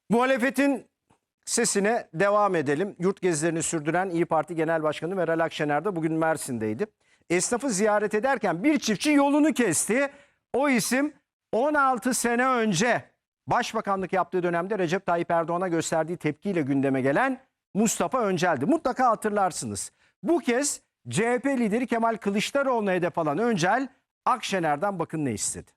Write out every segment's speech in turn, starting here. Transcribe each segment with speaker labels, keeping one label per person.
Speaker 1: Muhalefetin sesine devam edelim. Yurt gezilerini sürdüren İYİ Parti Genel Başkanı Meral Akşener de bugün Mersin'deydi. Esnafı ziyaret ederken bir çiftçi yolunu kesti. O isim 16 sene önce başbakanlık yaptığı dönemde Recep Tayyip Erdoğan'a gösterdiği tepkiyle gündeme gelen Mustafa Öncel'di. Mutlaka hatırlarsınız. Bu kez CHP lideri Kemal Kılıçdaroğlu'na hedef alan Öncel, Akşener'den bakın ne istedi.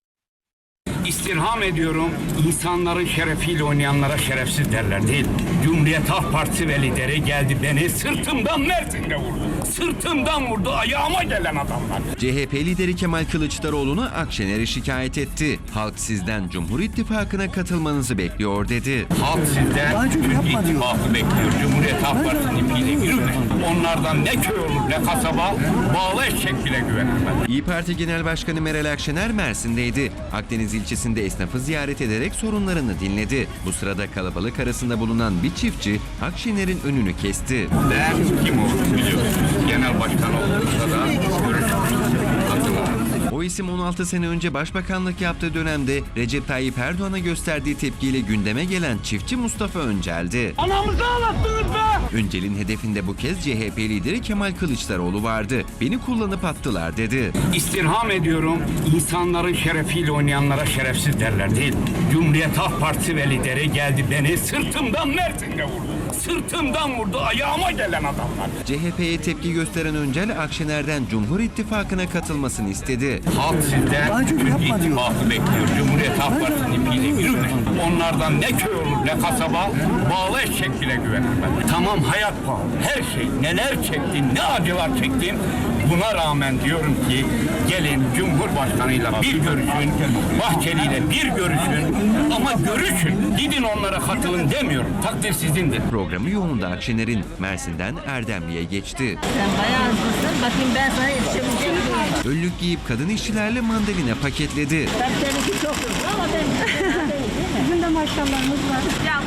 Speaker 2: İstirham ediyorum, insanların şerefiyle oynayanlara şerefsiz derler değil. Cumhuriyet Halk Partisi ve lideri geldi beni sırtımdan Mersin'de vurdu. Sırtımdan vurdu, ayağıma gelen adamlar.
Speaker 3: CHP lideri Kemal Kılıçdaroğlu'na Akşener'i şikayet etti. Halk sizden Cumhur İttifakı'na katılmanızı bekliyor dedi.
Speaker 2: Halk sizden Türk İttifakı bekliyor. Cumhuriyet Halk Partisi'nin ipiyle yürüme. Onlardan ne köy olur ne kasaba, bağlı eşek bile güvenemez.
Speaker 3: İYİ Parti Genel Başkanı Meral Akşener Mersin'deydi. Akdeniz ilçesinde esnafı ziyaret ederek sorunlarını dinledi. Bu sırada kalabalık arasında bulunan bir çiftçi Akşener'in önünü kesti.
Speaker 2: Ben kim olduğunu biliyorsunuz. Genel başkan olduğumuzda da görüşmüştük. Hatırlarım.
Speaker 3: O isim 16 sene önce başbakanlık yaptığı dönemde Recep Tayyip Erdoğan'a gösterdiği tepkiyle gündeme gelen çiftçi Mustafa Öncel'di.
Speaker 2: Anamızı ağlattınız be!
Speaker 3: Öncel'in hedefinde bu kez CHP lideri Kemal Kılıçdaroğlu vardı. Beni kullanıp attılar dedi.
Speaker 2: İstirham ediyorum, insanların şerefiyle oynayanlara şerefsiz derler değil. Cumhuriyet Halk Partisi ve lideri geldi beni sırtımdan Mersin'de vurdu. Sırtımdan vurdu, ayağıma gelen adamlar.
Speaker 3: CHP'ye tepki gösteren Öncel, Akşener'den Cumhur İttifakı'na katılmasını istedi.
Speaker 2: Halk sizden Türk İttifakı bekliyor. Cumhuriyet Halk Partisi'nin ipiyle yürüme. Onlardan ne köy olur ne kasaba, bağlı eşek bile güvenemez. Tamam, hayat pahalı, her şey. Neler çektim, ne acılar çektim. Buna rağmen diyorum ki gelin Cumhurbaşkanıyla bir görüşün, Bahçeli'yle bir görüşün ama görüşün. Gidin onlara katılın demiyorum. Takdir sizindir.
Speaker 3: Programı yoğunda Akşener'in Mersin'den Erdemli'ye geçti.
Speaker 4: Sen bayağı hızlısın. Bakayım ben sana yetişebilecek miyim?
Speaker 3: Önlük giyip kadın işçilerle mandalina paketledi.
Speaker 4: Ben seninki çok hızlı ama ben değil mi?
Speaker 5: Bizim de maşallahımız var.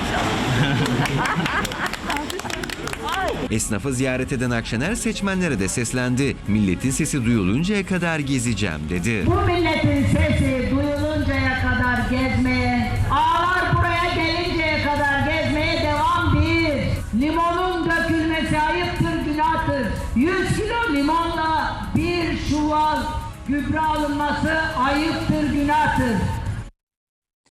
Speaker 3: Esnafı ziyaret eden Akşener seçmenlere de seslendi. Milletin sesi duyuluncaya kadar gezeceğim dedi.
Speaker 6: Bu milletin sesi duyuluncaya kadar gezmeye, ağlar buraya gelinceye kadar gezmeye devam bir. Limonun dökülmesi ayıptır, günahtır. 100 kilo limonla bir çuval gübre alınması ayıptır, günahtır.